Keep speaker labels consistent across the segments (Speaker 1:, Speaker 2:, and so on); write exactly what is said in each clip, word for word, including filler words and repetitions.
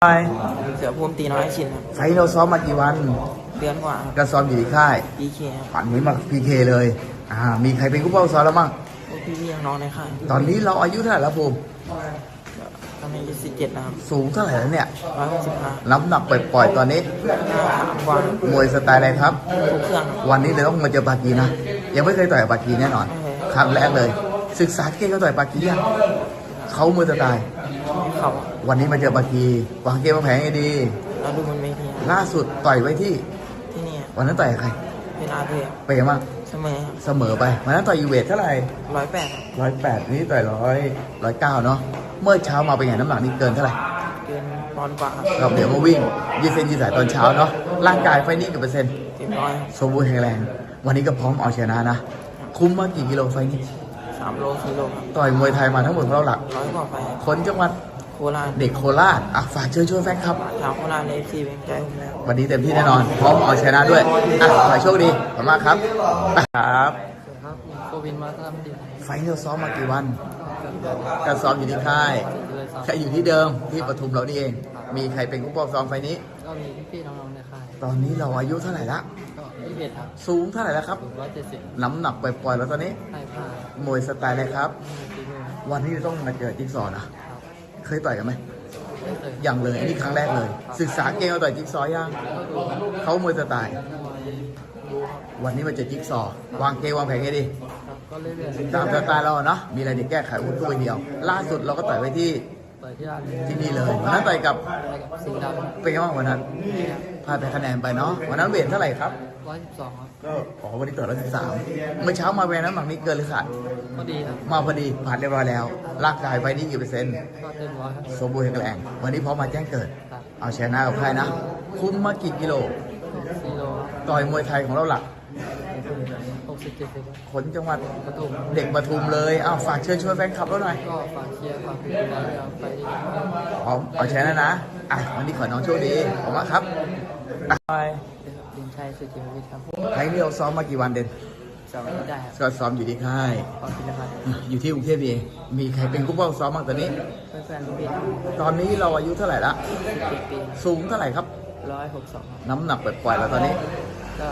Speaker 1: ไป
Speaker 2: เสือภูมิตีน้อยชินครับ
Speaker 1: ไฟท์เราซ้อมมากี่วัน
Speaker 2: เดือนกว่าครับ
Speaker 1: ก็ซ้อมอยู่ที่ค่าย
Speaker 2: พีเคครับ
Speaker 1: ฝันนี้มาพีเคเลยอ่ามีใครเป็นผู้เป้าซ้อมแล้วมั่ง
Speaker 2: พวกพี่ๆน้องๆในค่าย
Speaker 1: ตอนนี้เราอายุเท่าไหร่แล้วภูมิ
Speaker 2: ตอนนี้อายุสิบเจ็ดนะครับ
Speaker 1: สูงเท่าไหร่แล้วเนี่ย
Speaker 2: ร้อยหกสิบห้า
Speaker 1: น้ำหนักปล่อยๆตอนนี้
Speaker 2: ห้าสามกว่าม
Speaker 1: วยสไตล์อะไรครับ
Speaker 2: ทุกเครื่อง
Speaker 1: วันนี้เราต้องมาเจอปากีนะยังไม่เคยต่อยกับปากีแน่นอนครั้งแรกเลยศึกษาเก่งเขาต่อยปากียังเขามือสไตล์
Speaker 2: เขา
Speaker 1: วันนี้มาเจอปากีวางเกมวางแผนให้ดี
Speaker 2: เราดูมันไม่ที
Speaker 1: ล่าสุดต่อยไว้ที่
Speaker 2: ที่นี่
Speaker 1: วันนั้นต่อยกับใคร
Speaker 2: เป็นอาเทีย
Speaker 1: ไปยังมั้ง
Speaker 2: เสมอ
Speaker 1: เสมอไปวันนั้นต่อยยูเวทเท่าไหร่
Speaker 2: ร้อยแปด
Speaker 1: ร้อยแปดนี่ต่อยร้อยร้อยเก้าเนาะเมื่อเช้ามาเป็นไงน้ำหนักนี่เกินเท่าไหร่
Speaker 2: เกินปอนด์กว่า
Speaker 1: เราเดี๋ยวมาวิ่งยืดเส้นยืดสายตอนเช้าเนาะร่างกายไฟนี่กี่เปอร์เซ็นต์
Speaker 2: เต็มร้อย
Speaker 1: สมบูรณ์แข็งแรงวันนี้ก็พร้อมเอาชนะนะคุ้มมากี่กิโลไฟนี่
Speaker 2: สามโลสี่โลครับ
Speaker 1: ต่อยมวยไทยมาทั้งหมดเราหลัก
Speaker 2: ร้อยกว่าไฟ
Speaker 1: คนจังหวัด
Speaker 2: โคราช
Speaker 1: เด็กโคราชอ่ะฝากเชิญชวนแฟนคลับ
Speaker 2: ชาวโคราชในเอฟซีเป็นใจผมแล้ว
Speaker 1: วันนี้เต็มที่แน่นอนพร้อมเอาชนะด้วยอ่ะขอโชคดีขอบคุณมากครับครับ
Speaker 2: ครับโควินมาทำดี
Speaker 1: ไฟนี่เราซ้อมมากี่วันการซ้อมอยู่ที่ค่ายแค่อยู่ที่เดิมที่ปทุมเรานี่เองมีใครเป็นผู้ปกครองซ้อมไฟนี้
Speaker 2: ก็มีพี่ๆน้องๆในค่าย
Speaker 1: ตอนนี้เราอายุเท่าไหร่ละ
Speaker 2: ก็ยี่สิบเอ็ดครับ
Speaker 1: สูงเท่าไหร่แล้วครับ
Speaker 2: ร้อยเจ็ดสิบ
Speaker 1: น้ำหนักปล่อยๆแล้วตอนนี้
Speaker 2: ใช่ค่ะ
Speaker 1: มวยสไตล์อะไรครับวันนี้ต้องมาเจอจิ๊กซอว์นะเคยต่อยกันไหมยังเลยอันนี้ครั้งแรกเลยศึกษาเก่งเอาต่อยจิ๊กซอว์ยังเขามวยสไตล์วันนี้มาเจอจิ๊กซอว์วางเกมวางแผนให้ดีตามสไตล์เราเนาะมีอะไรเดี๋ยวแก้ไขอุ้นตัวเดียวล่าสุดเราก็ต่อยไว้ที่ที่นี่เลยวันนั้นต่อยกับเป็นไงบ้างวันนั้นพลาดไปคะแนนไปเนาะวันนั้นเวทเท่าไหร่ครับ
Speaker 2: ร้อยสิบสองครับ
Speaker 1: ก็อ๋อวันนี้ต่อร้อยสิบสามเมื่อเช้ามาเวรน้ำหนักนี้เกินหรือขาด
Speaker 2: พอดีครับ
Speaker 1: มาพอดีผ่านเรียบร้อยแล้วร่างกายไปนี่กี่เปอร์เซ็นต์
Speaker 2: ก็เต็มร้อยครับ
Speaker 1: สมบูรณ์แข็งแรงวันนี้พร้อมมาแจ้งเกิดเอาชนะกับใครนะคุ้มมากี่กิโล
Speaker 2: สี่โล
Speaker 1: ต่อยมวยไทยของเราหลัก
Speaker 2: หกสิบเจ็ดสิบ
Speaker 1: คนจังหวัด
Speaker 2: ปทุม
Speaker 1: เด็กปทุมเลยอ้าวฝากเชิญชวนแฟนคลับเราหน่อย
Speaker 2: ก็ฝากเชียร์ฝากเป็นกำลังใจไปดี
Speaker 1: พร้อมเอาชนะนะอ่ะวันนี้ขอน้องโชคดีขอบคุณมากครับไป
Speaker 2: ดินชัยสุจิมวิทย์ครับ
Speaker 1: ไทยนี่เราซ้อมมากี่วันเด่น
Speaker 2: ซ้อมไม่ได้
Speaker 1: ก็ซ้อมอยู่ที่ค่ายอยู่ที่กรุงเทพเองมีใครเป็นผู้ป้องซ้อมบ้างตอนนี้
Speaker 2: แฟนๆพี่
Speaker 1: ตอนนี้เราอายุเท่าไหร่ละ
Speaker 2: สิบเจ็ดปี
Speaker 1: สูงเท่าไหร่ครับ
Speaker 2: ร้อยหกสอง
Speaker 1: น้ำหนักปล่อยๆแล้วตอนนี้
Speaker 2: ก็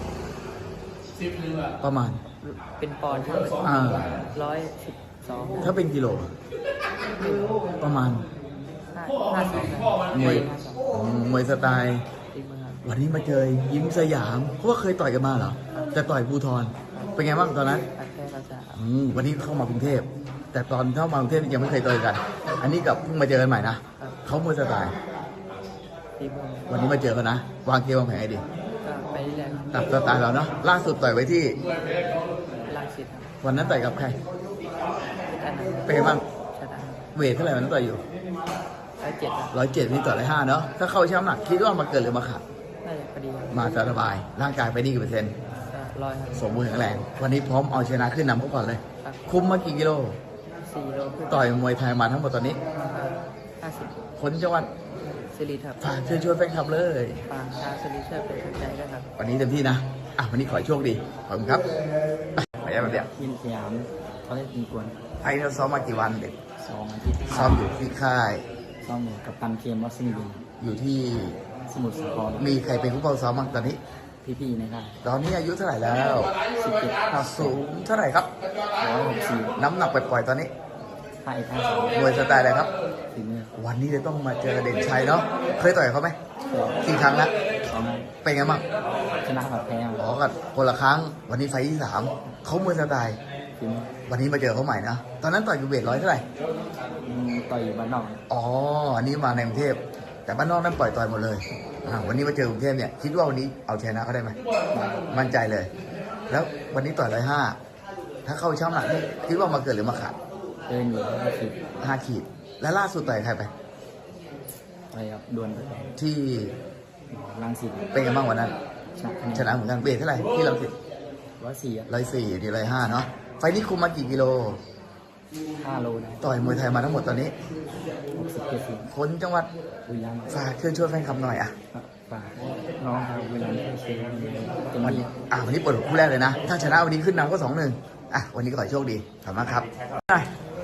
Speaker 1: ประมาณ
Speaker 2: เป็นปอนด์ครับร้อยสิบสอง
Speaker 1: ถ้าเป็นกิโลประมาณ
Speaker 2: ห้าสอง
Speaker 1: มวยมวยสไตล์วันนี้มาเจอยิ้มสยามเพราะว่าเคยต่อยกันมาเหรอแต่ต่อยภูทรเป็นไงบ้างตอนนั้นวันนี้เข้ามากรุงเทพแต่ตอนเข้ามากรุงเทพยังไม่เคยต่อยกันอันนี้กับเพิ่งมาเจอกันใหม่นะเขามวยสไตล์วันนี้มาเจอกันนะวางเกมวางแผนให้ดีตัดสไตล์เราเนาะล่าสุดต่อยไว้ที่วันนั้นต่อยกับใครเป็นไงบ้างเวทเท่าไหร่วันนั้นต่อยอยู่
Speaker 2: ร้อยเจ็ด
Speaker 1: ร้อยเจ็ดนี่ต่อร้อยห้าเนาะถ้าเข้าช่ำหนักคิดว่ามาเกิดหรือมาขาดมาสบายร่างกายไปนี่กี่เปอร์เซ็นต์
Speaker 2: ร้อย
Speaker 1: สมบูรณ์แข็งแรงวันนี้พร้อมเอาชนะขึ้นนำเขาก่อนเลยคุมมากี่กิโล
Speaker 2: สี่โล
Speaker 1: ต่อยมวยไทยมาทั้งหมดตอนนี้
Speaker 2: ห้าสิบ
Speaker 1: คนจังหวัด
Speaker 2: สิริครับ
Speaker 1: ฝากเชิญชวนแฟนคลับเลย
Speaker 2: ฝากชาวสิริเชิญเป็นกำลังใจด้วยครับ
Speaker 1: วันนี้เต็มที่นะอ่ะวันนี้ขอโชคดีขอบคุณครับไปยังเดียว
Speaker 2: ยินสยามเขาเล่นตีกวน
Speaker 1: ไอ้เราซ้อมมากี่วันเด็ก
Speaker 2: สองอาทิตย์
Speaker 1: ซ้อมอยู่ที่ค่าย
Speaker 2: ซ้อมอยู่กับตันเคียมวัดสิงห์บุรี
Speaker 1: อยู่ที่
Speaker 2: สมุทรสาคร
Speaker 1: มีใครเป็นผู้เฝ้าซ้อมบ้างตอนนี้
Speaker 2: พี่ๆนะครับ
Speaker 1: ตอนนี้อายุเท่าไหร่แล้ว
Speaker 2: สิบเจ็ด
Speaker 1: สูงเท่าไหร่ครับ
Speaker 2: ร้อยหกสิบ
Speaker 1: น้ำหนักปล่อยๆตอนนี้
Speaker 2: ไทยท่าสอง
Speaker 1: มวยสไตล์อะไรครับวันนี้จะต้องมาเจอเด่นชัยเนาะเคยต่อยเขาไหมกี่ครั้งแล้วเป็นไงบ้าง
Speaker 2: ชนะกับแพ้
Speaker 1: อ๋อกันคนละครั้งวันนี้ไฟที่สามเขามวยสไตล์วันนี้มาเจอเขาใหม่นะตอนนั้นต่อยอยู่เวทร้อยเท่าไหร่
Speaker 2: ต่อยอยู่บ้านนอก
Speaker 1: อ๋ออันนี้มาในกรุงเทพแต่บ้านนอกนั้นปล่อยต่อยหมดเลยอ่าวันนี้มาเจอกรุงเทพเนี่ยคิดว่าวันนี้เอาชนะเขาได้ไหมมั่นใจเลยแล้ววันนี้ต่อยร้อยห้าถ้าเข้าช่ำหนักนี่คิดว่ามาเกิดหรือมาขาด
Speaker 2: เกินอยู่ห้าขีด
Speaker 1: ห้าขีดแล้วล่าสุดต่อยใครไป
Speaker 2: ไปครับดวล
Speaker 1: ที่
Speaker 2: รังสิต
Speaker 1: เป็นไงบ้างวันนั้นชนะเหมือนกันเวทเท่าไหร่ที่รังสิต
Speaker 2: ร้อยสี่
Speaker 1: ร้อยสี่ดีร้อยห้าเนาะไฟนี้คุมมากี่กิโล
Speaker 2: ห้าโล
Speaker 1: ต่อยมวยไทยมาทั้งหมดตอนนี้
Speaker 2: หกสิบเจ็ดสิบ
Speaker 1: คนจังหวัด
Speaker 2: บุรีรัมย์
Speaker 1: ฝากเชิญชวนแฟนคลับหน่อยอ่ะ
Speaker 2: ฝากน้องครับบุรีรัมย์เชียร์
Speaker 1: วันนี้อ่ะวันนี้เปิดคู่แรกเลยนะถ้าชนะวันนี้ขึ้นนำก็สองหนึ่งอ่ะวันนี้ก็ขอโชคดีขอบคุณมากครับ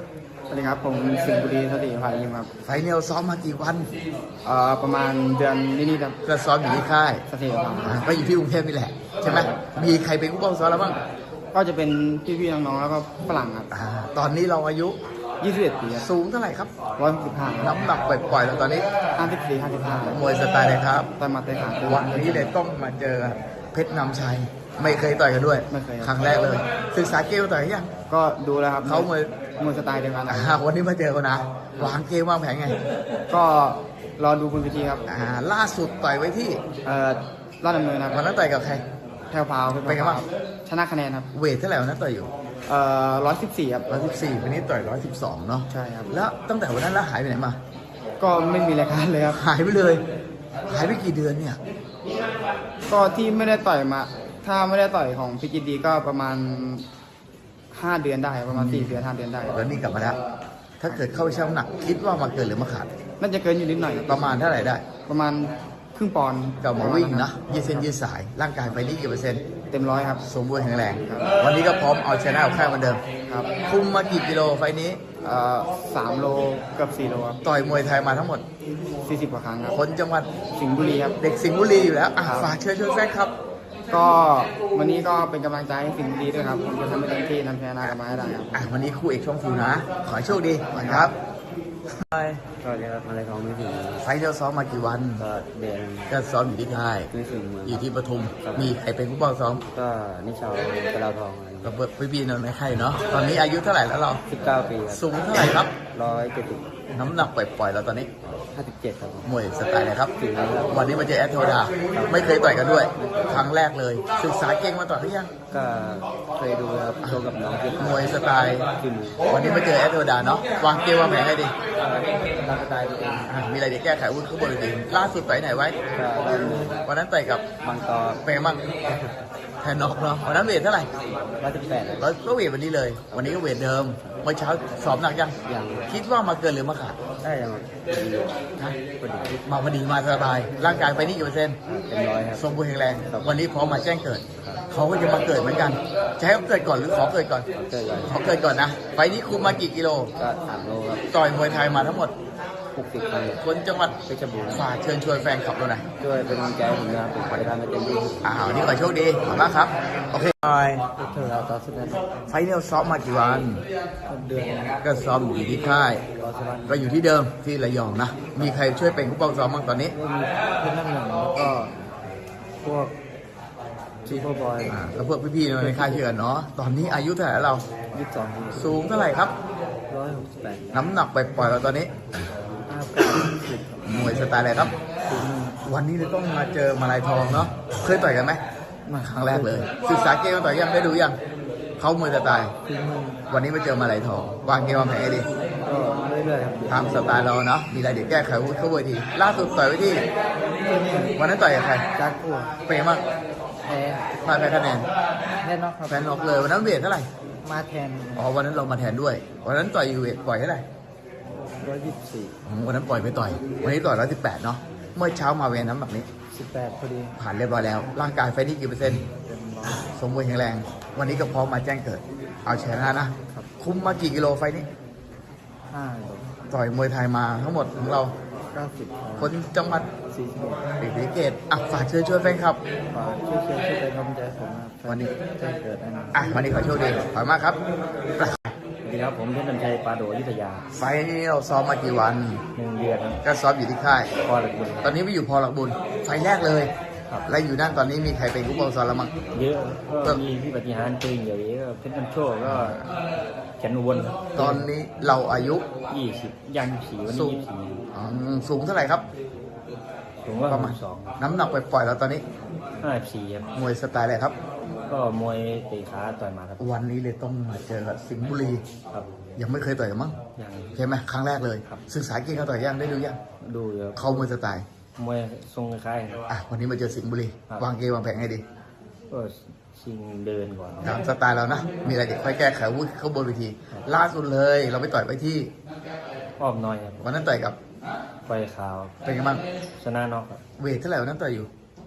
Speaker 3: สวัสดีครับผมสิงห์บุรีสติภายิมครับ
Speaker 1: ไฟเนลซ้อมมากี่วัน
Speaker 3: เอ่อประมาณเดือนนิดๆครับ
Speaker 1: ก็ซ้อมอยู่ที่ค่าย
Speaker 3: สติภา
Speaker 1: อ่าก็อยู่ที่กรุงเทพนี่แหละใช่ไหมมีใครเป็นผู้ป้องซ้อมแล้วบ้าง
Speaker 3: ก็จะเป็นพี่ๆน้องๆแล้วก็ฝรั่งครับ
Speaker 1: อ่าตอนนี้เราอายุ
Speaker 3: ยี่สิบเอ็ดปีครับ
Speaker 1: สูงเท่าไหร่ครับ
Speaker 3: ร้อยหกสิบห้า
Speaker 1: น้ำหนักปล่อยๆแล้วตอนนี้
Speaker 3: ห้าสิบสี่ห้าสิบห้าม
Speaker 1: วยสไตล์เลยครับ
Speaker 3: ต่อยหมาเตะขา
Speaker 1: วันนี้เลยต้องมาเจอเพชรนำชัย ไม่เคยต่อยกันด้วย
Speaker 3: ไม่เคยครับ
Speaker 1: ครั้งแรกเลย ศึกษาเกมต่อยกันยัง
Speaker 3: ก็ดูแล้วครับ
Speaker 1: เขามวย
Speaker 3: มวยสไตล์เดียวกัน
Speaker 1: อ่าวันนี้มาเจอกันนะ วางเกมวางแผนไง
Speaker 3: ก็รอดูบนเวทีครับ
Speaker 1: อ่าล่าสุดต่อยไว้ที่
Speaker 3: เอ่อรอดดำเนินครับ
Speaker 1: วันนั้นต่อยกับใคร
Speaker 3: แถวพาว
Speaker 1: เป็นไงบ้าง
Speaker 3: ชนะคะแนนครับ
Speaker 1: เวทเท่าไหร่วันนั้นต่อยอยู่
Speaker 3: เอ่อร้อยสิบสี่ครับ
Speaker 1: ร้อยสิบสี่วันนี้ต่อยร้อยสิบสองเนาะ
Speaker 3: ใช่ครับ
Speaker 1: แล้วตั้งแต่วันนั้นแล้วหายไปไหนมา
Speaker 3: ก็ไม่มีรายการเลยครับ
Speaker 1: หายไปเลย หายไปกี่เดือนเนี่ย
Speaker 3: ก็ที่ไม่ได้ต่อยมา ถ้าไม่ได้ต่อยของพิจิตดีก็ประมาณห้าเดือนได้ประมาณสี่เดือนห้าเดือนได้
Speaker 1: แล้วนี่กลับมาแล้ว ถ้าเกิดเข้าไปชั่งน้ำหนัก คิดว่ามาเกินหรือมาขาด
Speaker 3: น่าจะเกินอยู่นิดหน่อย
Speaker 1: ประมาณเท่าไหร่ได้
Speaker 3: ประมาณครึ่งปอนด์
Speaker 1: ก็มาวิ่งนะยืดเส้นยืดสาย ร่างกายไปนี่กี่เปอร์เซ็นต์
Speaker 3: เต็มร้อยครับ
Speaker 1: สมบูรณ์แข็งแรง วันนี้ก็พร้อมเอาชนะเอาค่ายเหมือนเดิม
Speaker 3: ครับ
Speaker 1: คุมมากี่กิโลไฟล์นี้
Speaker 3: เอ่อสามโลเกือบสี่โลครับ
Speaker 1: ต่อยมวยไทยมาทั้งหมด
Speaker 3: สี่สิบกว่าครั้งครับ
Speaker 1: คนจังหวัด
Speaker 3: สิงห์บุรีครับ
Speaker 1: เด็กสิงห์บุรีอยู่แล้วอ่ะ
Speaker 3: ครับ
Speaker 1: ฝากเชิญชวนแฟนครับ
Speaker 3: ก็วันนี้ก็เป็นกำลังใจให้สิงห์บุรีด้วยครับผมจะทำให้เต็มที่นำชนะกลับมาให้ได้ครับ
Speaker 1: อ่ะวันนี้คู่เอกช่องฟูนะ ขอให้โชคดีครับ
Speaker 2: สวัสดีครับอะไรของไม่ถึง
Speaker 1: ไฟล์เราซ้อมมากี่วัน
Speaker 2: ก็เดือน
Speaker 1: ก็ซ้อมอยู่ที่ค่าย
Speaker 2: ไม่ถึงเมือง
Speaker 1: อยู่ที่ปทุม มีใครเป็นผู้ป้องซ้อม
Speaker 2: ก็นิชาวกระลาทองอะไร
Speaker 1: กับพี่บีนนท์ในค่ายเนาะ ตอนนี้อายุเท่าไหร่แล้วเรา
Speaker 2: สิบเก้าปีครับ
Speaker 1: สูงเท่าไหร่ครับ
Speaker 2: ร้อยเจ็ดสิบ
Speaker 1: น้ำหนักปล่อยๆเราตอนนี้
Speaker 2: ห้าสิบเจ็ดครับ
Speaker 1: มวยสไตล์อะไรครับ
Speaker 2: ถึงแล้วครับ
Speaker 1: วันนี้มาเจอแอดโทดา ไม่เคยต่อยกันด้วย ครั้งแรกเลย ศึกษาเก่งมาต่อยหรือยัง
Speaker 2: ก็เคยดูครับโชว์กับน้องที่
Speaker 1: มวยสไตล์
Speaker 2: ขึ้น
Speaker 1: วันนี้มาเจอแอดโทดาเนาะ วางเกมวางแผนให้ดี
Speaker 2: ร่างกายตัวเอง
Speaker 1: อ่ะมีอะไรจะแก้ไขวุ้นข้างบนดีล่าสุดต่อยไหนไว้
Speaker 2: ก็ได้ดู
Speaker 1: วันนั้นต่อยกับบ
Speaker 2: างตอ
Speaker 1: เป็นไงบ้างแทนนอกเนาะ วันนั้นเวทเท่าไหร่
Speaker 2: ร้อยสิบแปด
Speaker 1: แล้วก็เวทวันนี้เลย วันนี้ก็เวทเดิม เมื่อเช้าสอบหนักยัง
Speaker 2: อย่าง
Speaker 1: คิดว่ามาเกินหรือมาขาด
Speaker 2: ได้ยังดี
Speaker 1: นะ
Speaker 2: พอดี
Speaker 1: มาพอดีมาสบาย ร่างกายไปนี่กี่เปอร์เซ็นต์
Speaker 2: เป็นร้อยครับ
Speaker 1: สมบูรณ์แข็งแรง วันนี้พร้อมมาแจ้งเกิด เขาก็จะมาเกิดเหมือนกัน จะให้เขาเกิดก่อนหรือขอเกิดก่อน
Speaker 2: เกิดเลย
Speaker 1: ขอเกิดก่อนนะ ไฟล์นี้คุมมากี่กิโล
Speaker 2: ก็สามโลครับ
Speaker 1: ต่อยมวยไทยมาทั้งหมด
Speaker 2: หกสิบครั้ง
Speaker 1: คนจังหวัด
Speaker 2: เพชรบูรณ์
Speaker 1: ฝากเชิญชวนแฟนคลับเราหน่อย
Speaker 2: ช่วยเป็นกำลังใจให้ผมนะครับผมจะทำให้เต็มที่
Speaker 1: อ่าวันนี้ขอโชคดี ขอบคุณมากครับ โอเคบาย
Speaker 2: เท่าเราต่อสุดนั้น
Speaker 1: ไฟล์นี้เราซ้อมมากี่วัน
Speaker 2: เดือน
Speaker 1: ก็ซ้อมอยู่ที่ค่าย
Speaker 2: รอสักวัน
Speaker 1: ก็อยู่ที่เดิมที่ระยองนะ มีใครช่วยเป็นผู้ป้องซ้อมบ้างตอนนี้
Speaker 2: ก็มีเพื่อนนั่งหนึ่งแล้วก็พวกชีโฟบอย
Speaker 1: อ่าแล้วพวกพี่ๆในค่ายเชื่อเนาะ ตอนนี้อายุเท่าไหร่แล้วเรา
Speaker 2: ยี่สิบสอง
Speaker 1: สูงเท่าไหร่ครับ
Speaker 2: ร้อยหกสิบแปด
Speaker 1: น้ำหนักไปปล่อยๆเราตอนนี้
Speaker 2: ห้าเก้าสิบ
Speaker 1: มวยสไตล์อะไรครับ
Speaker 2: ถึง
Speaker 1: วันนี้เราต้องมาเจอมาลายทองเนาะ เคยต่อยกันไหม
Speaker 2: มาค
Speaker 1: ค
Speaker 2: รั้
Speaker 1: รั้
Speaker 2: ง
Speaker 1: ง
Speaker 2: แร
Speaker 1: แร
Speaker 2: ก
Speaker 1: ก
Speaker 2: เล
Speaker 1: เลย ย ศึกษาเกมมาต่อยยังได้ดูยัง เขามวยสไตล์
Speaker 2: ถึงมือ
Speaker 1: วันนี้มาเจอมาลายทอง วางเกมวางแผนให้ดี
Speaker 2: ก็เรื่อยๆครับ
Speaker 1: ตามสไตล์เราเนาะ มีอะไรเดี๋ยวแก้ไขวุฒิเข้าเวทีล่าสุดต่อยไว้ที่ วันนั้นต่อยกับใคร
Speaker 2: จากกัว
Speaker 1: เป็นไงบ้าง
Speaker 2: แพ้
Speaker 1: พลาดแพ้คะแนน
Speaker 2: แน่นอนครับ
Speaker 1: แฟนออกเลย วันนั้นเวทเท่าไหร่
Speaker 2: มาแทน
Speaker 1: อ๋อ วันนั้นเรามาแทนด้วย วันนั้นต่อยอยู่เวทปล่อยเท่าไหร่
Speaker 2: ร้อยยี่สิบสี่
Speaker 1: อืมวันนั้นปล่อยไปต่อย วันนี้ต่อยร้อยสิบแปดเนาะ เมื่อเช้ามาเวรน้ำแบบนี้
Speaker 2: สิบแปดพอดี
Speaker 1: ผ่านเรียบร้อยแล้ว ร่างกายไฟนี่กี่เปอร์เซ็นต์
Speaker 2: เต็มร้อย
Speaker 1: สมบูรณ์แข็งแรง วันนี้ก็พร้อมมาแจ้งเกิด เอาชนะนะ คุ้มมากี่กิโลไฟนี้
Speaker 2: ห้า
Speaker 1: ต่อยมวยไทยมาทั้งหมดของเรา
Speaker 2: เก้าสิบ
Speaker 1: คนจังหวัด
Speaker 2: สี่สิบ
Speaker 1: ศรีสะเกษอ่ะฝากเชิญชวนแฟนคลับ
Speaker 2: ฝากช่วยเชียร์ช่วยเป็นกำลังใจผมนะครับ
Speaker 1: วันนี้
Speaker 2: แจ้งเกิดแน่นอน
Speaker 1: อ่ะ วันนี้ขอโชคดี ขอบคุณมากครับ
Speaker 2: สวัสดีครับผมเพชรน้ำชัยปาโดอยุธยา
Speaker 1: ไฟนี้เราซ้อมมากี่วัน
Speaker 2: หนึ่งเดือนครับ
Speaker 1: ก็ซ้อมอยู่ที่ค่าย
Speaker 2: พอหลักบุญ
Speaker 1: ตอนนี้ไปอยู่พอหลักบุญ ไฟแรกเลย
Speaker 2: ครับ
Speaker 1: และอยู่นั่นตอนนี้มีใครเป็นผู้ปกครองแล้วมั้ง
Speaker 2: เยอะก็มีพี่ปฏิหารปืนใหญ่ก็เพชรน้ำโชคก็แขนอุบลครับ
Speaker 1: ตอนนี้เราอายุ
Speaker 2: ยี่สิบยังสี่วัน
Speaker 1: สู
Speaker 2: นี้
Speaker 1: ง
Speaker 2: ยี่สิบสี่
Speaker 1: อืมสูงเท่าไหร่ครับ
Speaker 2: ผมว่า
Speaker 1: ป
Speaker 2: ประ ระ
Speaker 1: มา
Speaker 2: มา
Speaker 1: ณ
Speaker 2: ณสอง
Speaker 1: น้ำหนักไปปล่อยๆแล้วตอนนี้
Speaker 2: ห้าสิบสี่ครับ
Speaker 1: มวยสไตล์อะไรครับ
Speaker 2: ก็มวยเตะขาต่อยหมาครับ
Speaker 1: วันนี้เลยต้องมาเจอกับสิงห์บุรี
Speaker 2: ครับ
Speaker 1: ยังไม่เคยต่อยกันมั้ง
Speaker 2: ยัง
Speaker 1: ใช่ไหมครั้งแรกเลย
Speaker 2: ครับ
Speaker 1: ศึกษาเก่งเขาต่อยยังได้ดูยัง
Speaker 2: ดูอยู่ครับ
Speaker 1: เขามวยสไตล์
Speaker 2: มวยทรงคล้ายๆครับ
Speaker 1: อ่ะวันนี้มาเจอสิงห์บุรี
Speaker 2: ครับ
Speaker 1: วางเกมวางแผนให้ดี
Speaker 2: ก็ชิงเดินก่อน
Speaker 1: ตามสไตล์เรานะ มีอะไรเดี๋ยวค่อยแก้ไขวุฒิเข้าบนเวที ล่าสุดเลย เราไปต่อยไปที่
Speaker 2: อ้อมน้อยครับ
Speaker 1: วันนั้นต่อยกับ
Speaker 2: ไฟขาว
Speaker 1: เป็นไงบ้าง
Speaker 2: ชนะน็อกครับ
Speaker 1: เวทเท่าไหร่วันนั้นต่อยอยู่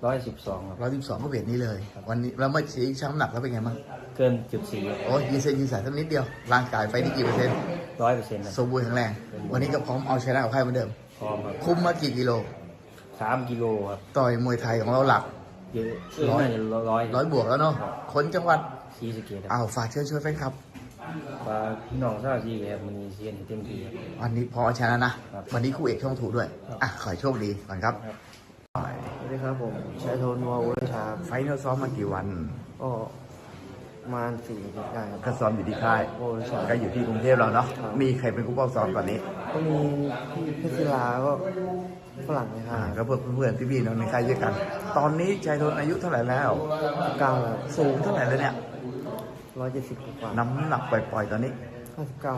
Speaker 2: ร้อยสิบสองครับ
Speaker 1: ร้อยสิบสองก็เวทนี้เลย วันนี้เราไม่ชี้ช้ำหนักแล้วเป็นไงบ้าง
Speaker 2: เกินจุดสี่
Speaker 1: โอ้ยยืนเส้นยืนสายสักนิดเดียวร่างกายไฟนี่กี่เปอร์เซ็นต์
Speaker 2: ร้อยเปอร์เซ็นต์
Speaker 1: สมบูรณ์แข็งแรงวันนี้ก็พร้อมเอาชนะกับใครเหมือนเดิม
Speaker 2: พร้อมครับ
Speaker 1: คุมมากี่กิโล
Speaker 2: สามกิโลครับ
Speaker 1: ต่อยมวยไทยของเราหลัก
Speaker 2: เยอะร้อยร้อย
Speaker 1: ร้อยบวกแล้วเนาะคนจังหวัด
Speaker 2: สี่สเกตครับ
Speaker 1: อ้าวฝากเชิญชวนแฟนคลับ
Speaker 2: ฝากพี่น้องชาวจีครับมันมีเชียนให้เต็มที่ครับ
Speaker 1: วันนี้พอเอาชนะนะ
Speaker 2: ครับ
Speaker 1: วันนี้คู่เอกช่องถูกด้วย
Speaker 2: ครับ
Speaker 1: อ่ะขอให้โชคดีก่อนครับ
Speaker 3: สวัสดีครับผมชายโทนวอลวุฒิชา
Speaker 1: ไฟท์เราซ้อมมากี่วัน
Speaker 3: ก็ประมาณสี่อาทิตย์ได้ครับ
Speaker 1: ก็ซ้อมอยู่ที่ค่าย
Speaker 3: โอ้ใช่
Speaker 1: ก็อยู่ที่กรุงเทพเราเนาะ
Speaker 3: ครับ
Speaker 1: มีใครเป็นผู้ป้องซ้อมตอนนี้
Speaker 3: ก็มีพี่เพชรศิลาก็ฝรั่งนะครั
Speaker 1: อ่า
Speaker 3: บ
Speaker 1: ก็เพื่อนเพื่อนๆพี่ๆน้องในค่ายด้วยกัน ตอนนี้ชายโทนอายุเท่าไหร่แล้ว
Speaker 3: เก้า
Speaker 1: สูงเท่าไหร่แล้วเนี่ย
Speaker 3: ร้อยเจ็ดสิบกว่า
Speaker 1: น้ำหนักปล่อยๆตอนนี้
Speaker 3: ห้าสิบเก้าม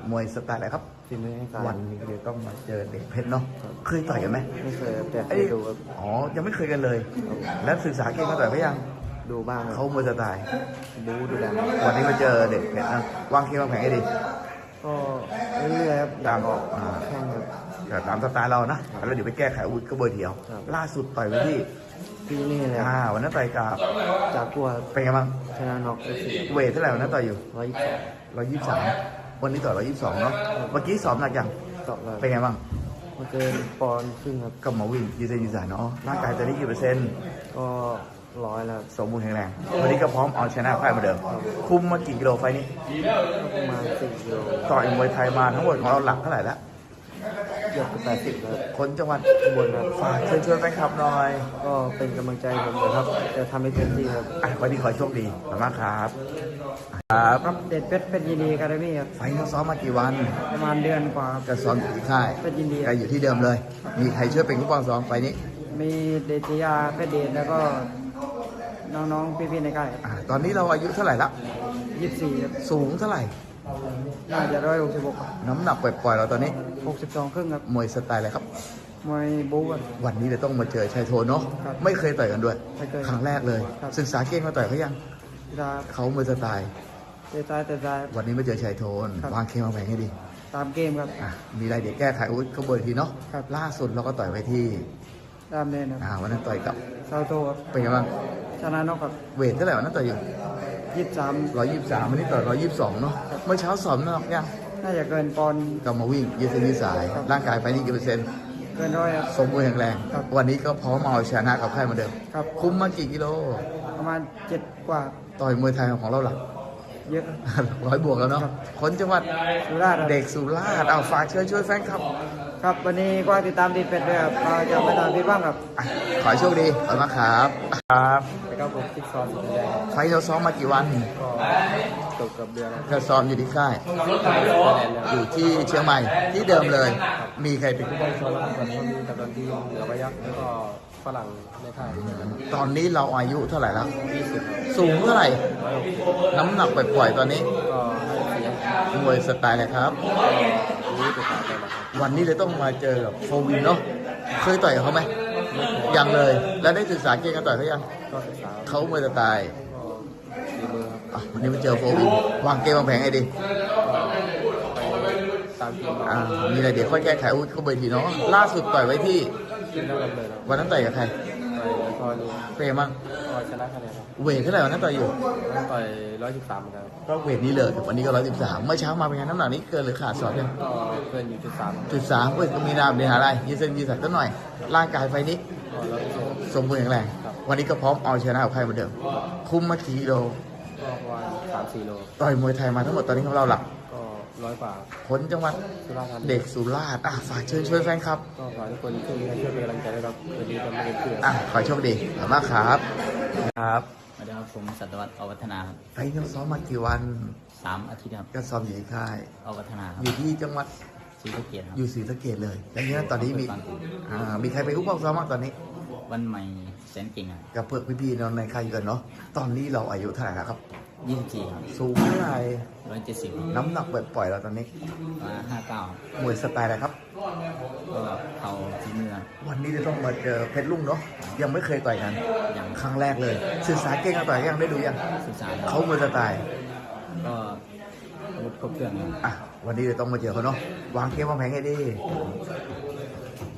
Speaker 1: วยสไตล์อะไรครับ
Speaker 3: ฝีมือให้การ
Speaker 1: วันนี้เดี๋ยวต้องมาเจอเด็กเพชรเนาะ เคยต่อยกันไหม
Speaker 3: ไม่เคยครับแต่เค
Speaker 1: เอ้ย
Speaker 3: ยดูครับ
Speaker 1: อ๋อ ยังไม่เคยกันเลย แล้วศึกษาเก่งมาต่อยเขายัง
Speaker 3: ดูบ้างค
Speaker 1: เขา
Speaker 3: รับ
Speaker 1: มวยสไตล์
Speaker 3: บู๊ดูดัง
Speaker 1: วันนี้มาเจอเด็กเพชรนะวางเคียงวางแผงให้ดี
Speaker 3: ก็เรื่อยๆครับอยากออก
Speaker 1: อ่า
Speaker 3: แข้งครับ
Speaker 1: ก็ตามสไตล์เรานะ แล้วเดี๋ยวไปแก้ไขอาวุธก็เบอร์เดียว
Speaker 3: ครับ
Speaker 1: ล่าสุดต่อยไปที่
Speaker 3: พี่นี่เลย
Speaker 1: อ่า วันนั้นต่อยกับ
Speaker 3: จากกลัว
Speaker 1: เป็นไงบ้าง
Speaker 3: ชนะน็อกได้สี่
Speaker 1: เวทเท่าไหร่วันนั้นต่อยอยู่
Speaker 3: ร้อยยี่สิบ
Speaker 1: ร้อยยี่สิบสามวันนี้ต่อร้อยยี่สิบสองเนาะ เมื่อกี้สอบหนักยัง
Speaker 3: ตอบเลย
Speaker 1: เป็นไงบ้าง
Speaker 3: มาเกินปอนด์ครึ่งครับ
Speaker 1: ก็มาวิ่งยืนเส้นยืนสายเนาะ ร่างกายตอนนี้กี่เปอร์เซ็นต์
Speaker 3: ก็ร้อยแล้ว
Speaker 1: สมบูรณ์แข็งแรง วันนี้ก็พร้อมเอาชนะใครเหมาเดิม คุมมากี่กิโลไฟล์นี้
Speaker 3: ก็ประมาณสี่กิโล
Speaker 1: ต่อยมวยไทยมาทั้งหมดของเราหลักเท่าไหร่แล้ว
Speaker 3: เกือบแปดสิบแล้ว
Speaker 1: คนจังหวัด
Speaker 3: ข้างบนครับ
Speaker 1: ฝากเชิญชวนแฟนคลับหน่อย
Speaker 3: ก็เป็นกำลังใจผมนะครับ จะทำให้เต็มที่ครับ
Speaker 1: อ่ะวันนี้ขอให้โชคดีขอบคุณมากครับ ครับ
Speaker 3: ครับเด็ดเพชรเป็นยินดีการ์มี่ครับ
Speaker 1: ไฟล์เราซ้อมมากี่วัน
Speaker 3: ประมาณเดือนกว่าครับ
Speaker 1: ก็ซ้อมอยู่ที่ค่าย
Speaker 3: เป็นยินดี
Speaker 1: ก็อยู่ที่เดิมเลย มีใครช่วยเป็นผู้ปกครองซ้อมไฟล์นี้
Speaker 3: มีเดชยาเพชรเดชแล้วก็น้องๆพี่ๆในค่าย
Speaker 1: อ่ะตอนนี้เราอายุเท่าไหร่ละ
Speaker 3: ยี่สิบสี่ครับ
Speaker 1: สูงเท่าไหร่
Speaker 3: น่าจะร้อยหกสิบหก
Speaker 1: น้ำหนักปล่อยๆเราตอนนี้
Speaker 3: หกสิบสองครึ่งครับ
Speaker 1: มวยสไตล์อะไรครับ
Speaker 3: มวยบู๊ครับ
Speaker 1: วันนี้เราต้องมาเจอชายโทนเนาะ
Speaker 3: ครับ
Speaker 1: ไม่เคยต่อยกันด้วย
Speaker 3: ไม่เคย
Speaker 1: ครั้งแรกเลย
Speaker 3: ครับ
Speaker 1: ศึกษาเก่งมาต่อยเขายัง
Speaker 3: เวลา
Speaker 1: เขามวยสไตล์
Speaker 3: เตะซ้ายเตะซ้าย
Speaker 1: วันนี้มาเจอชายโทน
Speaker 3: ครับ
Speaker 1: วางเคมวางแผงให้ดี
Speaker 3: ตามเกมครับ
Speaker 1: อ่ะมีอะไรเดี๋ยวแก้ไขอาวุธก็เบอร์ทีเนาะ
Speaker 3: ครับ
Speaker 1: ล่าสุดเราก็ต่อยไปที่
Speaker 3: ตามเล่นครับ
Speaker 1: อ่าวันนั้นต่อยกับ
Speaker 3: เซาโตครับ
Speaker 1: เป็นไงบ้าง
Speaker 3: ชนะน็อกครับ
Speaker 1: เวทเท่าไหร่วันนั้นต่อยอยู่
Speaker 3: ยี่สิบสาม
Speaker 1: ร้อยยี่สิบสามวันนี้ต่อยร้อยยี่สิบสองเนาะ เมื่อเช้าสอบนอกยัง
Speaker 3: น่าจะเกินปอนด์
Speaker 1: ก็มาวิ่งยืดเส้นยืดสาย
Speaker 3: ครับ
Speaker 1: ร่างกายไปนี่กี่เปอร์เซ็นต์
Speaker 3: เกินร้อยครับ
Speaker 1: สมบูรณ์แข็งแรง
Speaker 3: ครับ
Speaker 1: วันนี้ก็พร้อมเอาชนะกับใครเหมาเดิม
Speaker 3: ครับ
Speaker 1: คุ้มมากี่กิโล
Speaker 3: ประมาณเจ็ดกว่า
Speaker 1: ต่อยมวยไทยของเราหลัก
Speaker 3: เยอะ
Speaker 1: ร้อยบวกแล้วเนาะ
Speaker 3: ครับ
Speaker 1: คนจังหวัด
Speaker 3: สุราษฎร์ครับ
Speaker 1: เด็กสุราษฎร์เอาฝากเชิญช่วยแฟนคลับ
Speaker 3: ครับวันนี้ก็ติดตามดีเป็ดด้วยครับเราจะไม่ทำผิดบ้างครับ
Speaker 1: อ่ะขอให้โชคดีขอบคุณมากครับ ครับ
Speaker 3: แล้วก็ผมคิดซ้อมสุดแรง
Speaker 1: ไฟท์เราซ้อมมากี่วัน
Speaker 3: ก็ตกกับเดือนแล้ว
Speaker 1: ก็ซ้อมอยู่ที่ค่าย อยู่ที่เชียงใหม่ที่เดิมเลย มีใครเป็นผู้ป้องซ้อม
Speaker 3: ส่วนก็มีกับดนตรีเหนือพยักแล้วก็ฝรั่งในค่าย
Speaker 1: ตอนนี้เราอายุเท่าไหร่แล้ว
Speaker 3: ยี่สิบ
Speaker 1: สูงเท่าไหร่ น้ำหนักปล่อยๆตอนนี้
Speaker 3: ก็ให้เสียง
Speaker 1: มวยสไตล์อะไรครับ
Speaker 3: รู้ติดตามไปแล้วครับ
Speaker 1: วันนี้เลยต้องมาเจอกับโฟวินเนาะ เคยต่อยกับเขาไหม ยังเลย แล้วได้ศึกษาเกมการต่อยเขายัง
Speaker 3: ก็ศึกษา
Speaker 1: เขามวยสไตล์
Speaker 3: ก็ดีมือครับ
Speaker 1: อ่ะวันนี้มาเจอโฟวิน วางเกมวางแผงให้ดี
Speaker 3: ไปตามเกม
Speaker 1: อ่า มีอะไรเดี๋ยวค่อยแก้ไขอาวุธเขาเบอร์ทีเนาะ ล่าสุดต่อยไว้ที่
Speaker 3: ขึ้นแล้วกันเลยครับ
Speaker 1: วันนั้นต่อยกับใคร
Speaker 3: ไปพอนี้
Speaker 1: เปรมั้ง
Speaker 3: ก็ชนะคะแนนครับ
Speaker 1: เวทเท่าไหร่วันนั้นต่อยอยู่
Speaker 3: แล้วต่อยร้อยสิบสามครับ
Speaker 1: ก็เวทนี้เลยวันนี้ก็ร้อยสิบสามเมื่อเช้ามาเป็นไงน้ำหนักนี้เกินหรือขาดสอบยัง
Speaker 3: ก็เกินอยู่จุดสาม
Speaker 1: จุดสามเว้ยก็มีนามเดียหาอะไรยืดเส้นยืดสายสักหน่อย ร่างกายไฟนี้
Speaker 3: ก็ร้อยเปอร์เซ็นต์
Speaker 1: สมบูรณ์แข็งแรง วันนี้ก็พร้อมเอาชนะกับใครเหมือนเดิม คุมมากี่กิโล
Speaker 3: ก็ประมาณสามสี่โล
Speaker 1: ต่อยมวยไทยมาทั้งหมดตอนนี้ของเราหลัก
Speaker 3: ก็ร้อยกว่า
Speaker 1: คนจังหวัด
Speaker 3: สุราษฎร์ธานี
Speaker 1: เด็กสุราษฎร์อ่ะฝากเชิญช่วยแฟนครับ
Speaker 3: ก็ขอให้ทุกคนช่วยให้ช่วยเป็นกำลังใจด้วยครับวันนี้จะไม่เป็นเพื่อน
Speaker 1: อ่ะขอให้โชคดีขอบคุณมากครับ ครับ
Speaker 2: สวัสดีครับผมสัตวัตอวัฒนาครับ
Speaker 1: ไฟนี้ซ้อมมากี่วัน
Speaker 2: สามอาทิตย์ครับ
Speaker 1: ก็ซ้อมอยู่ที่ค่าย
Speaker 2: อวัฒนาครับ
Speaker 1: อยู่ที่จังหวัด
Speaker 2: ศรีสะเกษครับ
Speaker 1: อยู่ศรีสะเกษเลยแล้วเนี้ยตอนนี้มีอ่ามีใครไปอุ้มบ้างซ้อมบ้างตอนนี้
Speaker 2: วันใหม่แสนเก่งครับ
Speaker 1: กับเพื่อนพี่ๆน้องในค่ายอยู่กันเนาะ ตอนนี้เราอายุเท่าไหร่แล้วครับ
Speaker 2: ยี่สิบสี่ครับ
Speaker 1: สูงเท่าไหร่
Speaker 2: ร้อยเจ็ดสิบ
Speaker 1: น้ำหนักปล่อยๆเราตอนนี้
Speaker 2: มาห้าเก้าม
Speaker 1: วยสไตล์อะไรครับ
Speaker 2: ก็เขาทีเมือง
Speaker 1: วันนี้จะต้องมาเจอเพชรลุ่งเนาะ ยังไม่เคยต่อยกัน
Speaker 2: อย่าง
Speaker 1: ครั้งแรกเลย ศึกษาเก่งกันต่อยยังได้ดูยัง
Speaker 2: ศึกษา
Speaker 1: เขามวยสไตล์
Speaker 2: ก็อาวุธครบเครื่องครับ
Speaker 1: อ่ะ วันนี้จะต้องมาเจอเขาเนาะ วางเกมวางแผนให้ดี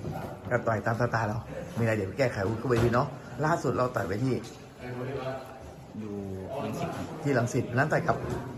Speaker 1: ก็ต่อยตามสไตล์เรา มีอะไรเดี๋ยวแก้ไขวุ้นก็ไปทีเนาะ ล่าสุดเราต่อยไปที่
Speaker 2: อยู่ยังสิบครับ
Speaker 1: ที่รังสิตนั้นต่อยกับ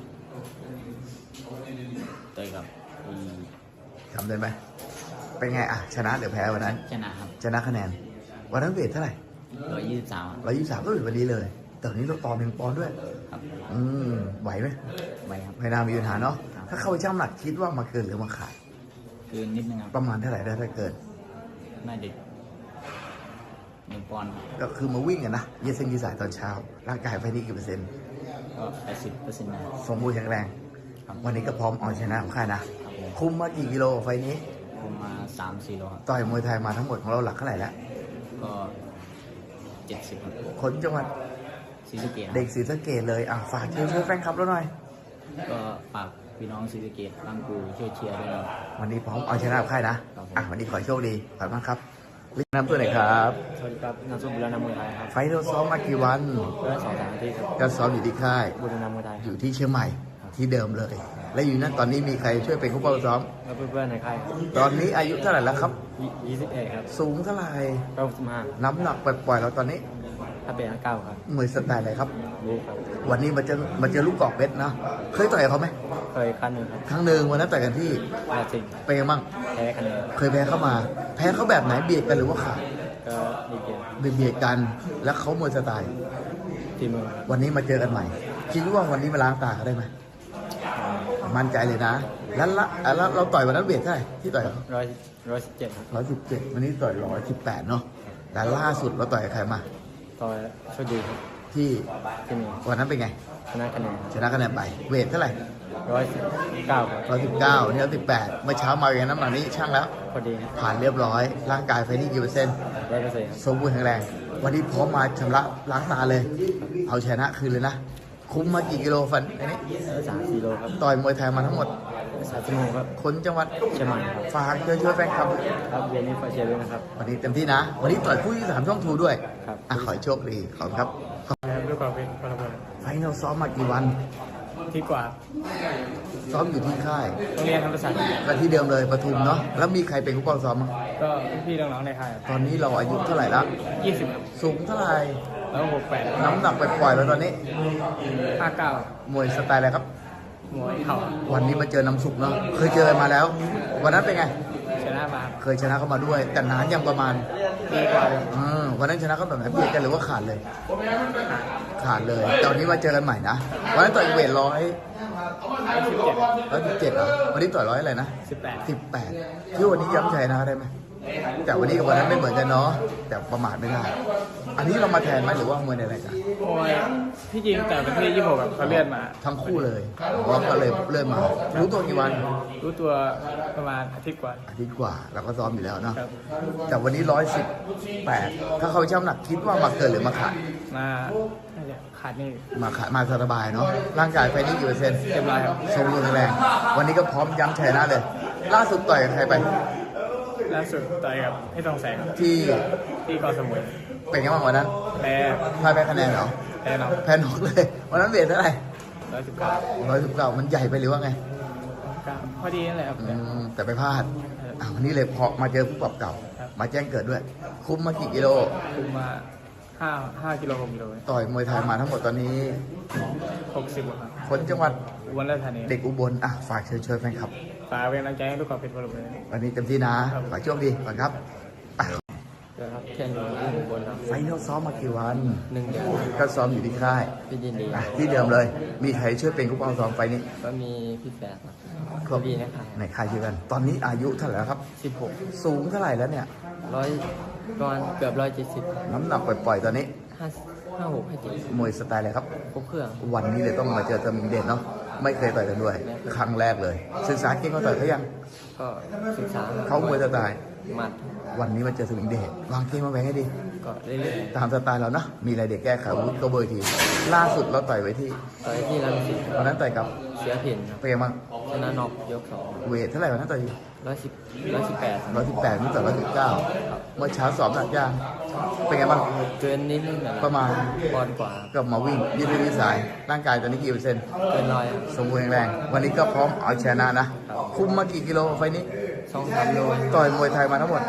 Speaker 2: ต่อยกับอี
Speaker 1: จำได้ไหม เป็นไงอ่ะ ชนะหรือแพ้วันนั้น
Speaker 2: ชนะครับ
Speaker 1: ชนะคะแนน วันนั้นเวทเท่าไหร่
Speaker 2: ร้อยยี่สิบสาม
Speaker 1: ร้อยยี่สิบสามก็เป็นวันนี้เลย แต่วันนี้เราต่อหนึ่งปอนด์ด้วย
Speaker 2: ครับ
Speaker 1: อืม ไหวไหม
Speaker 2: ไปครับ
Speaker 1: ไม่น่ามีปัญหาเนาะ
Speaker 2: ครับ
Speaker 1: ถ้าเข้าไปช่างน้ำหนักคิดว่ามาเกินหรือมาขาด
Speaker 2: คือนิดนึงครับ
Speaker 1: ประมาณเท่าไหร่ได้ถ้าเกิน
Speaker 2: น่าจะหนึ่งปอนด์ครับ
Speaker 1: ก็คือมาวิ่งกันนะยืดเส้นยืดสายตอนเช้า ร่างกายไฟนี้กี่เปอร์เซ็นต์
Speaker 2: ก็แปดสิบเปอร์เซ็นต์นะครับ
Speaker 1: สมบูรณ์แข็งแรง
Speaker 2: ครับ
Speaker 1: วันนี้ก็พร้อมเอาชนะของค่ายนะ
Speaker 2: ครับผม
Speaker 1: คุมมากี่กิโลไฟนี้
Speaker 2: ผมมาสามสี่โลครับ
Speaker 1: ต่อยมวยไทยมาทั้งหมดของเราหลักเท่าไหร่แล้ว
Speaker 2: ก็เจ็ดสิบครับ
Speaker 1: คนจังหวัด
Speaker 2: ศรีสะเกษครับ
Speaker 1: เด็กศรีสะเกดเลยอ่ะฝากเชิญชวนแฟนคลับเราหน่อย
Speaker 2: ก็ฝากพี่น้องศรีสะเกษตั้งกูช่วยเชียร์ด้วยนะครับ
Speaker 1: วันนี้พร้อมเอาชนะกับค่ายนะครับ
Speaker 2: ผม
Speaker 1: อ่ะวันนี้ขอให้โชคดีขอบคุณมากครับลินน้ำตัวไหนอยครับ
Speaker 2: สวัสดีครับนามสกุลบุรณามวยไทยครับ
Speaker 1: ไฟท์เราซ้อมมากี่วัน
Speaker 2: เพื่อสองสามอาทิตย์ครับ
Speaker 1: ก็ซ้อมอยู่ที่ค่าย
Speaker 2: บุรณามวยไทย
Speaker 1: อยู่ที่เชียงใหม่ที่เดิมเลย และอยู่นั่นตอนนี้มีใครช่วยเป็นผู้เป้าซ้อม
Speaker 2: แล้วเพื่อนๆในค่ายครับ
Speaker 1: ตอนนี้อายุเท่าไหร่แล้วครับ
Speaker 2: ยี่สิบเอ็ดครับ
Speaker 1: สูงเท่าไหร่
Speaker 2: เก้าสิบห้า
Speaker 1: น้ำหนักปล่อยๆเราตอนนี้
Speaker 2: ถ้าเป็นเก้าครับ
Speaker 1: มวยสไตล์อะไรครับ
Speaker 2: รู้ครับ
Speaker 1: วันนี้มาเจอมาเจอลูกกอกเพชรนะ เคยต่อยกับเขาไหม
Speaker 2: เคยคันหนึ่งครับ
Speaker 1: ครั้งหนึ่งวันนั้นต่อยกันที่
Speaker 2: อาจิง
Speaker 1: เป็นไงบ้าง
Speaker 2: แพ้คะแนน
Speaker 1: เคยแพ้เข้ามา แพ้เขาแบบไหนเบียดกันหรือว่าขาด
Speaker 2: ก็ดีเกม
Speaker 1: เบียดกัน แล้วเขามวยสไตล์
Speaker 2: ทีมมือครับ
Speaker 1: วันนี้มาเจอกันใหม่ คิดว่าวันนี้มาล้างตาได้ไหม มั่นใจเลยนะ แล้วละอ่ะแล้วเราต่อยวันนั้นเบียดเท่าไหร่ที่ต่อย
Speaker 2: ร้อยร้อยสิบเจ็ดครับ
Speaker 1: ร้อยสิบเจ็ดวันนี้ต่อยร้อยสิบแปดเนาะแต่ล่าสุดเราต่อยกับใครมา
Speaker 2: ต่อยโชคดีครับ
Speaker 1: ที่
Speaker 2: ที่นี่
Speaker 1: วันนั้นเป็นไง
Speaker 2: ชนะคะแนน
Speaker 1: ชนะคะแนนไป เวทเท่าไหร่
Speaker 2: ร้อยสิบเก้าครับ
Speaker 1: ร้อยสิบเก้านี่ร้อยสิบแปดเมื่อเช้ามาอย่างน้ำหนักนี้ช่างแล้ว
Speaker 2: พอดีครับ
Speaker 1: ผ่านเรียบร้อย ร่างกายไฟนี่กี่เปอร์เซ็นต์
Speaker 2: ร้อยเปอร์เซ็นต์ครับ
Speaker 1: สมบูรณ์แข็งแรง วันนี้พร้อมมาชำระล้างตาเลย เอาชนะคืนเลยนะ คุ้มมากี่กิโลฟันอันนี้
Speaker 2: สามสี่โลครับ
Speaker 1: ต่อยมวยไทยมาทั้งหมด
Speaker 2: สามชั่วโมงครับ
Speaker 1: คนจังหวัด
Speaker 2: เชียงใหม่ครับ
Speaker 1: ฝากเชิญชวนแฟนคลับ
Speaker 2: ครับเย็นนี้ฝากเชียร์ด้วยนะครับ
Speaker 1: วันนี้เต็มที่นะ วันนี้ต่อยคู่ที่สามช่องทูด้วย
Speaker 2: ครับ
Speaker 1: อ่ะขอให้โชคดี ขอบคุณครับ
Speaker 2: ด้วยความเป็นพลเมือง
Speaker 1: ไฟนอลซ้อมมากี่วัน
Speaker 2: ที่กว่า
Speaker 1: ซ้อมอยู่ที่ค่าย
Speaker 2: โรงเรียนธรรมศาสตร์
Speaker 1: ก็ที่เดิมเลยปทุมเนาะ แล้วมีใครเป็นผู้กองซ้อมมั้ง
Speaker 2: ก็พี่น้องๆในค่าย
Speaker 1: ตอนนี้เราอายุเท่าไหร่ละ
Speaker 2: ยี่สิบ
Speaker 1: สูงเท่าไหร่
Speaker 2: แล้วหกแปด
Speaker 1: น้ำหนักไปปล่อยๆแล้วตอนนี้
Speaker 2: ห้าเก้าม
Speaker 1: วยสไตล์อะไรครับ
Speaker 2: มวยเข่า
Speaker 1: วันนี้มาเจอน้ำสุกเนาะ เคยเจอกันมาแล้ว วันนั้นเป็นไง
Speaker 2: ชนะมา
Speaker 1: เคยชนะเขามาด้วย แต่นานยังประมาณ
Speaker 2: ดีกว่า
Speaker 1: เออวันนั้นชนะเขาแบบไหนเบียดกันหรือว่าขาดเลย ขาดเลยแต่วันนี้มาเจอกันใหม่นะ วันนั้นต่อยเวทร้อย
Speaker 2: สิบเจ็ด
Speaker 1: ร้อยสิบเจ็ดเหรอวันนี้ต่อยร้อยอะไรนะ
Speaker 2: สิบแปด
Speaker 1: สิบแปดที่วันนี้ย้ำชัยนะได้ไหมแต่วันนี้กับวันนั้นไม่เหมือนกันเนาะแต่ประมาทไม่ได้ อันนี้เรามาแทนไหมหรือว่ามวยในรายการ
Speaker 2: โอ้ยที่จริงแต่เป็นที่ยี่สิบหกเขาเลื่อนมา
Speaker 1: ทั้งคู่เลยว่าก็เลยเริ่มมา รู้ตัวกี่วัน
Speaker 2: รู้ตัวประมาณอาทิตย์กว่า
Speaker 1: อาทิตย์กว่าเราก็ซ้อมอยู่แล้วเนาะ
Speaker 2: ครับ
Speaker 1: แต่วันนี้ร้อยสิบแปดถ้าเขาช่ำหนักคิดว่ามาเกินหรือมาขาด
Speaker 2: มาน่าจะขาดนี่
Speaker 1: มาขาดมาสบายเนาะร่างกายไฟนี้กี่เปอร์เซ็นต์
Speaker 2: เต็มร้อยครับ
Speaker 1: สมบูรณ์แข็งแรง วันนี้ก็พร้อมย้ำชัยนะเลย ล่าสุดต่อยกับใครไป
Speaker 2: ล่าสุดต่อยกับพี่ทองแสง
Speaker 1: ที่
Speaker 2: ที่เกอสมุย
Speaker 1: เป็นไงบ้างวันนั้น
Speaker 2: แพ้
Speaker 1: พ่ายแพ้คะแนนเหรอ
Speaker 2: แพ้เนาะ
Speaker 1: แพ้นอกเลย วันนั้นเวทเท่าไหร่
Speaker 2: ร้อยสิบเก้า
Speaker 1: ร้อยสิบเก้ามันใหญ่ไปหรือว่าไง
Speaker 2: พอดีนั่นแหละครับ
Speaker 1: อืมแต่ไปพลาดอ่ะวันนี้เลยพอมาเจอผู้ปรับเก่า มาแจ้งเกิดด้วย คุ้มมากี่กิโล
Speaker 2: คุมมาห้าห้ากิโลหกกิโล
Speaker 1: ต่อยมวยไทยมาทั้งหมดตอนนี้
Speaker 2: หกสิบครับ
Speaker 1: คนจังหวัด
Speaker 2: อุบลราชธานี
Speaker 1: เด็กอุบลอ่ะฝากเชิญชวนแฟนคลับ
Speaker 2: ฝากเป็นกำลังใจให้ทุกคนเป็นพลเมือง
Speaker 1: วันนี้เต็มที่นะขอให้โชคดีก่อนครับอ่ะ
Speaker 2: ครับแค่นี้อุบลครับ
Speaker 1: ไฟนอลซ้อมมากี่วัน
Speaker 2: หนึ่งเดือน
Speaker 1: ก็ซ้อมอยู่ที่ค่าย
Speaker 2: พี่ยินดี
Speaker 1: อ่ะที่เดิมเลย มีใครช่วยเป็นผู้ปกครองซ้อมไฟนี้
Speaker 2: ก็มีพี่แฝดครับ
Speaker 1: ครับ
Speaker 2: ดีนะครับ
Speaker 1: ในค่ายเดียวกัน ตอนนี้อายุเท่าไหร่แล้วครับ
Speaker 2: สิบหก
Speaker 1: สูงเท่าไหร่แล้วเนี่ย
Speaker 2: ร้อยประมาณเกือบร้อยเจ็ดสิบ
Speaker 1: น้ำหนักปล่อยๆตอนนี้
Speaker 2: ห้าห้าหกห้าเจ็ด
Speaker 1: มวยสไตล์อะไรครับ
Speaker 2: ครบเครื่อง
Speaker 1: วันนี้เลยต้องมาเจอเตอร์มิงเดชเนาะ ไม่เคยต่อยกันด้วย ครั้งแรกเลย ศึกษาเก่งเขาต่อยเขายัง
Speaker 2: ก็ศึกษา
Speaker 1: เขามวยสไตล์
Speaker 2: หมัด
Speaker 1: วันนี้มาเจอเตอร์มิงเดชวางเกมมาแบ่งให้ดี
Speaker 2: ก็เรื่อย
Speaker 1: ตามสไตล์เรานะ มีอะไรเด็กแก้ไขอาวุธก็เบอร์ที ล่าสุดเราต่อยไว้ที่
Speaker 2: ๆต่อยที่รังสิต
Speaker 1: วันนั้นต่อยกับ
Speaker 2: เสียเผินครับ
Speaker 1: เป็นไงบ้าง
Speaker 2: ชนะน็อกยกสอง
Speaker 1: เวทเท่าไหร่วันนั้นต่อย
Speaker 2: ร้อยสิบร้อยสิบแปด
Speaker 1: ร้อยสิบแปดนี่ต่อร้อยสิบเก้าเมื่อเช้าสอบหนักยางเป็นไงบ้าง
Speaker 2: เกินนิดนึงนะ
Speaker 1: ประมาณ
Speaker 2: ปอนด์กว่า
Speaker 1: ก็มาวิ่งยืดเส้นยืดสาย ร่างกายตอนนี้กี่เปอร์เซ็นต์
Speaker 2: เกินร้อยครับ
Speaker 1: สมบูรณ์แข็งแรง วันนี้ก็พร้อมเอาชนะนะ คุมมากี่กิโลไฟล์นี้
Speaker 2: สองสามโล
Speaker 1: ต่อยมวยไทยมาทั้งหมด
Speaker 2: แ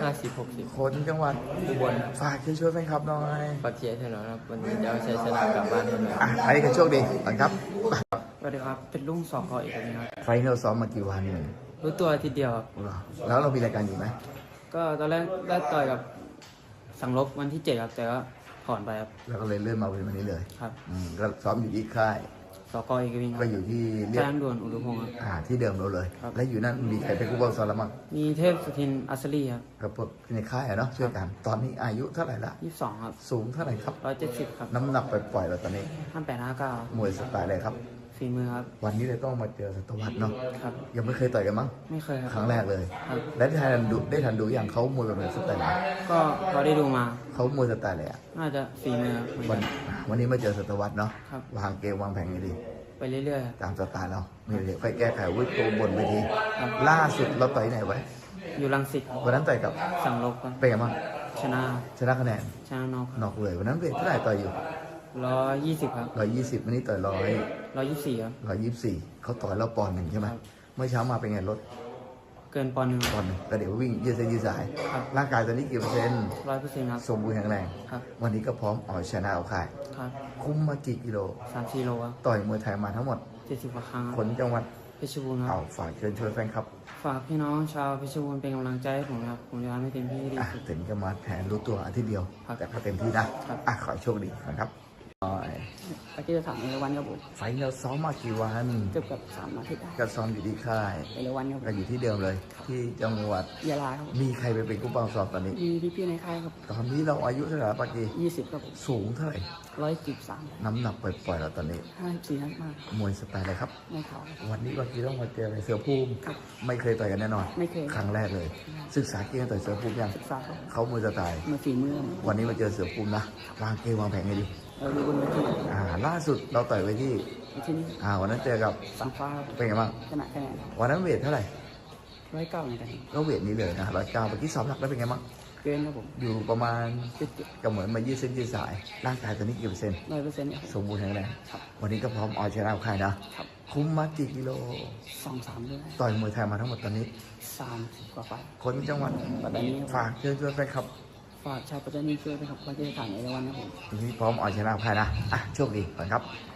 Speaker 2: ห้าสิบหกสิบ
Speaker 1: คนจังหวัด
Speaker 2: อุบล
Speaker 1: ฝากช่วยๆแฟนคลับหน่อย
Speaker 2: ปักเชียร์ถนนครับวันนี้จะเอาชัยชนะกลับบ้านให้ได้
Speaker 1: อ่ะใครก็โชคดีก่อนครับ
Speaker 2: สวัสดีครับเป็นลุงสองคออีกคนนึงครับ
Speaker 1: ไฟนอลซ้อมมากี่วันเนี่ย
Speaker 2: รู้ตัวทีเดียวครับ
Speaker 1: เหรอแล้วเรามีรายการอยู่ไหม
Speaker 2: ก็ตอนแรกได้ต่อยกับสังลบวันที่เจ็ดครับแต่ก็ถอนไปครับ
Speaker 1: แล้วก็เลยเลื่อนมาเป็นวันนี้เลย
Speaker 2: ครับ
Speaker 1: อืมก็ซ้อมอยู่ที่ค่าย
Speaker 2: สกอีกวิงค
Speaker 1: ก็
Speaker 2: รับ
Speaker 1: อยู่ที่เรีย
Speaker 2: แจ้
Speaker 1: ก
Speaker 2: งด่วนอุดมพงศ์ครับ
Speaker 1: อ่าที่เดิมเราเลย
Speaker 2: ครับ
Speaker 1: และอยู่นั่นมีใครเป็นผู้บังคับซ้อมแล้วมั้ง
Speaker 2: มีเทพสุทินอัศรีครับ
Speaker 1: กับพวกในค่ายอะเนาะช่วยกัน ตอนนี้อายุเท่าไหร่ละ
Speaker 2: ยี่สิบสองครับ
Speaker 1: สูงเท่าไหร่ครับ
Speaker 2: ร้อยเจ็ดสิบครับ
Speaker 1: น้ำหนักปล่อยๆเราตอนนี้
Speaker 2: ห้าแปดห้าเก้าม
Speaker 1: วยสไตล์อะไรครับ
Speaker 2: ฝีมือครับ
Speaker 1: วันนี้เลยต้องมาเจอสัตวัตเนาะ
Speaker 2: ครับ
Speaker 1: ยังไม่เคยต่อยกันมั้ง
Speaker 2: ไม่เคยค
Speaker 1: ครั้
Speaker 2: รับ
Speaker 1: งแรกเลย
Speaker 2: ครับ
Speaker 1: และได้ทันดูได้ทันดูอย่างเขามวยแบบไหนสไตล์ไหน
Speaker 2: ก็พอได้ดูมา
Speaker 1: เขามวยสไตล์อะไรอะ
Speaker 2: น่าจะฝีมือเหมือน
Speaker 1: วั
Speaker 2: กัน น
Speaker 1: วันนี้มาเจอสัตวัตเนาะ
Speaker 2: ครับ
Speaker 1: วางเกมวางแผนไงดี
Speaker 2: ไปเรื่อยๆครับ
Speaker 1: ตามสไตล์เราไม่เดี๋ยวค่อยแก้ไขวิธีบนเวที
Speaker 2: ครับ
Speaker 1: ล่าสุดเราต่อยไหนไว้
Speaker 2: อยู่รังสิตครับ
Speaker 1: วันนั้นต่อยกับ
Speaker 2: สั่งลบครับ
Speaker 1: เป็นไงบ้าง
Speaker 2: ชนะ
Speaker 1: ชนะคะแนน
Speaker 2: ชนะนอก
Speaker 1: นอกเลยวันนั้นเวทเท่าไหร่ต่อยอยู่
Speaker 2: ร้อยยี่สิบครับ
Speaker 1: ร้อยยี่สิบวันนี้ต่อยร้อย
Speaker 2: ร้อยยี่สิบสี่ครับ
Speaker 1: ร้อยยี่สิบสี่เขาต่อยเราปอนด์หนึ่งใช่ไหม
Speaker 2: ครับ
Speaker 1: เมื่อเช้ามาเป็นไงลด
Speaker 2: เกินปอนด์หนึ่ง
Speaker 1: ปอนด์หนึ่งแล้วเดี๋ยววิ่งยืดเส้นยืดสาย
Speaker 2: ครับ
Speaker 1: ร่างกายตอนนี้กี่เปอร์เซ็นต์
Speaker 2: ร้อยเปอร์เซ็นต์ครับ
Speaker 1: สมบูรณ์แข็งแรง
Speaker 2: ครับ
Speaker 1: วันนี้ก็พร้อมเอาชนะเอาค่าย
Speaker 2: ครับ
Speaker 1: คุ้มมากี่กิโล
Speaker 2: สามสี่โลครับ
Speaker 1: ต่อยมวยไทยมาทั้งหมด
Speaker 2: เจ็ดสิบกว่าครั้งค
Speaker 1: ครับ นจังหวัด
Speaker 2: เพชรบูรณ์ครั
Speaker 1: เอา
Speaker 2: บ
Speaker 1: ฝากเชิญชวนแฟนครับ
Speaker 2: ฝากพี่น้องชาวเพชรบูรณ์เป็นกำลังใจให้ผมนะครับผมจะทำให้เต็มที่ให้ดี
Speaker 1: อ่ะ
Speaker 2: ที่สุด
Speaker 1: ถึงจะมาแทนรู้ตัวอาทิตย์เดียว
Speaker 2: ครับ
Speaker 1: แต่ก็เต็มที่นะครับ อ่ะขอให้โชคดีนะครับ
Speaker 4: เมื่อกี้จะถามเอราวันครับผม
Speaker 1: ไฟล์เราซ้อมมากี่วัน
Speaker 4: เกือบกับสามอาทิตย์ได้
Speaker 1: ก็ซ้อมอยู่ที่ค่าย
Speaker 4: เอราวันครับผ
Speaker 1: ก็
Speaker 4: ม
Speaker 1: อยู่ที่เดิมเลย ที่จังหวัด
Speaker 4: ยาลาครับผม
Speaker 1: มีใครไปเป็นผู้บังสอบตอนนี้
Speaker 4: มีพี่พี่ๆในค่ายครับ
Speaker 1: ตอนนี้เราอายุเท่าไหร่แล้วปากี
Speaker 4: ยี่สิบครับผม
Speaker 1: สูงเท่าไหร่
Speaker 4: ร้อยจีบสาม
Speaker 1: น้ำหนักปล่อยๆเราตอนนี้
Speaker 4: ห้าสี่ห้ามาก
Speaker 1: มวยสไตล์อะไรครับ
Speaker 4: ไม่เขาครับ
Speaker 1: วันนี้ปากีต้องมาเจออะไรเสือภูมิ
Speaker 4: ครับ
Speaker 1: ไม่เคยต่อยกันแน่นอน
Speaker 4: ไม่เคย
Speaker 1: ครั้งแรกเลย ศึกษาเกมต่อยเสือภูมิยัง
Speaker 4: ศึกษาครับ
Speaker 1: เขามวยสไตล์
Speaker 4: มือฝีมือ
Speaker 1: วันนี้มาเจอเสือภูมินะ วางเกมวางแผนไงดี
Speaker 4: เราดูบนเวที
Speaker 1: อ่า ล่าสุดเราต่อยไว้ที่
Speaker 4: ในที่นี้
Speaker 1: อ่า วันนั้นเจอกับ
Speaker 4: สังฟ้าครับ
Speaker 1: เป็นไงบ้าง
Speaker 4: ชนะคะแนน
Speaker 1: วันนั้นเวทเท่าไหร่
Speaker 4: ร้อยเก้าเหมือนกัน
Speaker 1: ก็เวทนี้เลยนะร้อยเก้าเมื่อกี้สอบหลักได้เป็นไงบ้าง
Speaker 4: เกินครับผม
Speaker 1: อยู่ประมาณ
Speaker 4: เจ็ดเจ็ด
Speaker 1: ก็เหมือนมายืดเส้นยืดสาย ร่างกายตอนนี้กี่เปอร์เซ็นต์
Speaker 4: ร้อยเปอร์เซ็นต์เนี่ย
Speaker 1: สมบูรณ์แข็งแรง
Speaker 4: ครับ
Speaker 1: วันนี้ก็พร้อมเอาชนะเอาใครนะ
Speaker 4: ครับ
Speaker 1: คุ้มมากี่กิโล
Speaker 4: สองสามด้วย
Speaker 1: ต่อยมวยไทยมาทั้งหมดตอนนี้
Speaker 4: สามสิบกว่าไฟล์
Speaker 1: คนจังหวัด
Speaker 4: ปัตตานีครับ
Speaker 1: ฝากเชิญชวนแฟนคลับ
Speaker 4: ฝากชาวปัตตานีช่วยด้วยครับเมื่อกี้จะถามเอราวันครับผม
Speaker 1: วันนี้พร้อมเอาชนะเอาใครนะ อ่ะ โชคดีก่อนครับ